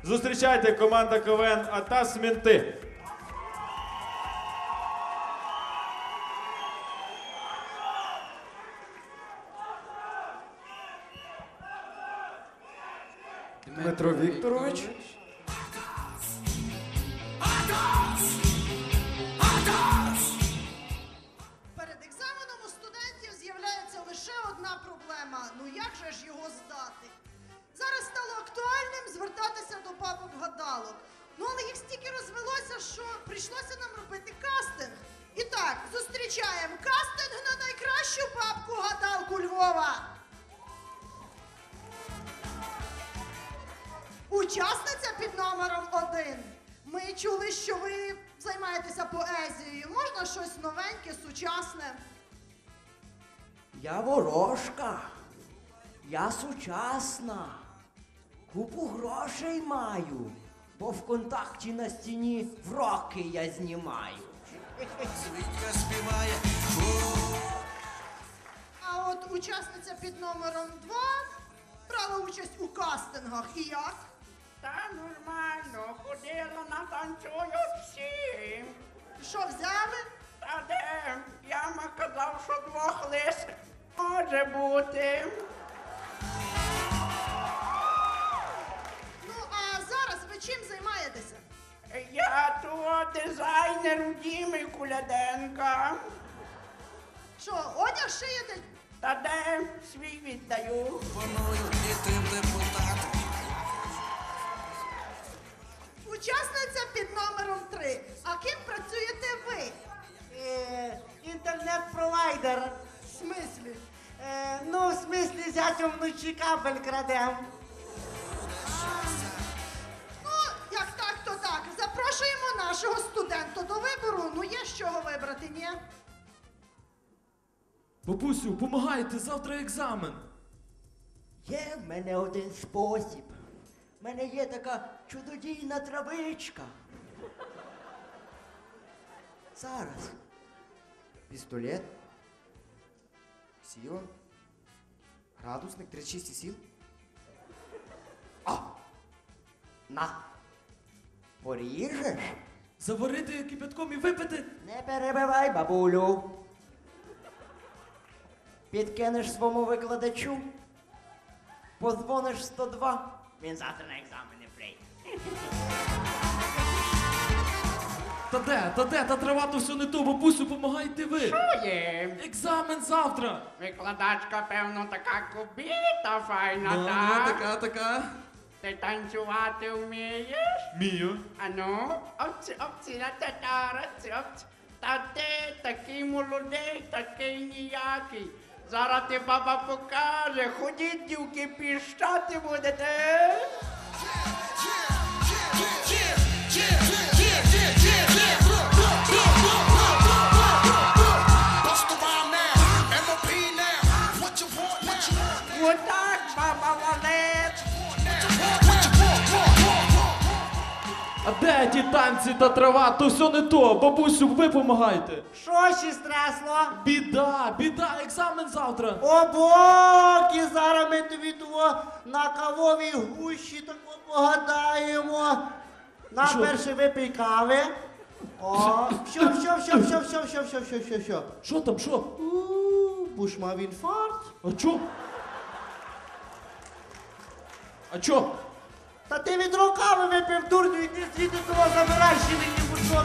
Зустрічайте, команда КВН «Атас Менти». Дмитро Вікторович. Перед екзаменом у студентів з'являється лише одна проблема. Ну як же ж його здати? Зараз стало актуальним звертатися до бабок-гадалок. Ну але їх стільки розвелося, що прийшлося нам робити кастинг. І так, зустрічаємо кастинг на найкращу бабку-гадалку Львова. Учасниця під номером 1. Ми чули, що ви займаєтеся поезією. Можна щось новеньке, сучасне? Я ворожка, я сучасна, купу грошей маю, бо ВКонтакті на стіні вроки я знімаю. А от учасниця під номером 2 брала участь у кастингах. І як? Та нормально, ходила на танцюю всі. Що взяли? Та де? Яма казав, що 2 лис може бути. Ну, а зараз ви чим займаєтеся? Я то дизайнер у Діми Куляденка. Що, одяг шиєте? Та де? Свій віддаю. Учасниця під номером 3. А ким працюєте ви? Інтернет-провайдер. В смислі? Ну, в смислі, зятям вночі кабель крадем. Ну, як так, то так. Запрошуємо нашого студента до вибору. Ну, є з чого вибрати, ні? Бабусю, помагайте, завтра екзамен. Є в мене один спосіб. В мене є така чудодійна травичка. Зараз. Пістолет. Сіла. Градусник 36 сіл. На. Поріжеш? Заварити кипятком і випити. Не перебивай, бабулю. Підкинеш своєму викладачу. Подзвониш 102. Він завтра на екзамен не прийде. Та трава то все не то, бабусю, помагайте ви. Що є? Екзамен завтра. Викладачка, певно, така кубіта файна, так? така. Ти танцювати вмієш? Мію. Ану, обці, на татара, обці. Та ти такий молодий, такий ніякий. Зараз ти баба покаже, ходіть, дівки, піщати будете. Отак, баба валет. А де ті танці та трава? То все не то. Бабусю, ви помагайте. Що ще стресло? Біда, екзамен завтра. О, боки, зараз ми тобі того на кавовій гущі тако погадаємо. На Що? перше випий кави. О, що. Що там, що? Буш мав інфаркт. А чо? Та ти відро кави випив, дурню, іди звідти того забирай, ще мені бушок.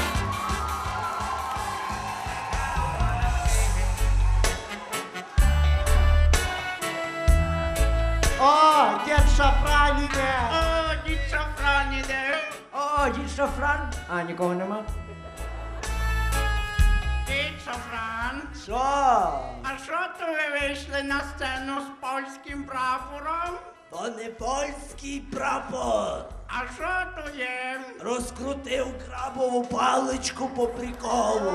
О, дід Шафран іде. О, дід Шафран іде. О, дід Шафран. А, нікого нема? Дід Шафран. Що? А що то ви вийшли на сцену з польським прапором? То не польський прапор. А що то є? Розкрутив крабову паличку по приколу.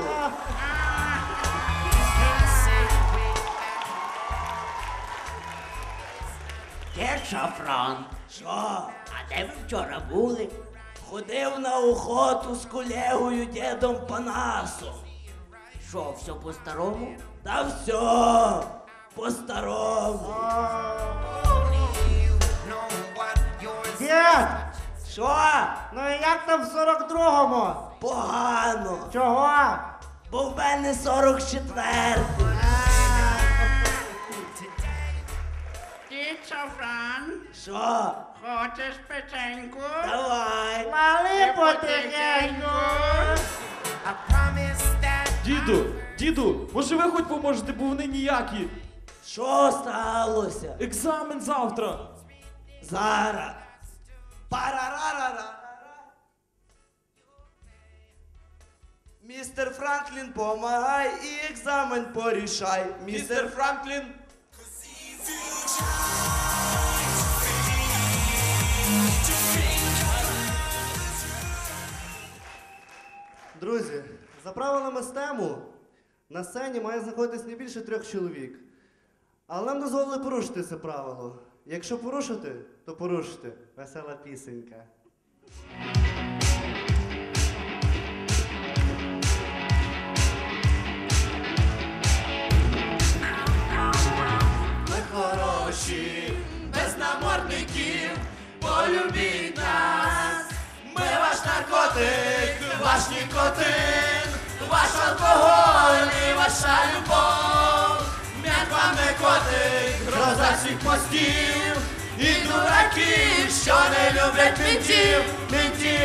Де Шафран? Що? А де ви вчора були? Ходив на охоту з колегою дідом Панасом. Що, все по-старому? Та все по-старому. Дід, Що? Ну і як там в 42-му? Погано. Чого? Бо в мене 44. Дід Шафран, Що? хочеш печеньку? Давай. Мали потихеньку. Діду, може ви хоч поможете, бо вони ніякі. Що сталося? Екзамен завтра. Зараз. Парарарара. Містер Франклін, помагай і екзамен порішай. Містер Франклін. Друзі, за правилами стему на сцені має знаходитись не більше 3 чоловік. Але нам дозволили порушити це правило. Якщо порушити, то порушити. Весела пісенька. Ми хороші, без намордників, полюбіть нас. Ми ваш наркотик, ваш нікотин, ваш алкоголь і ваша любов. М'як вам не котик, гроза всіх мостів, і дураків, що не люблять мінтів,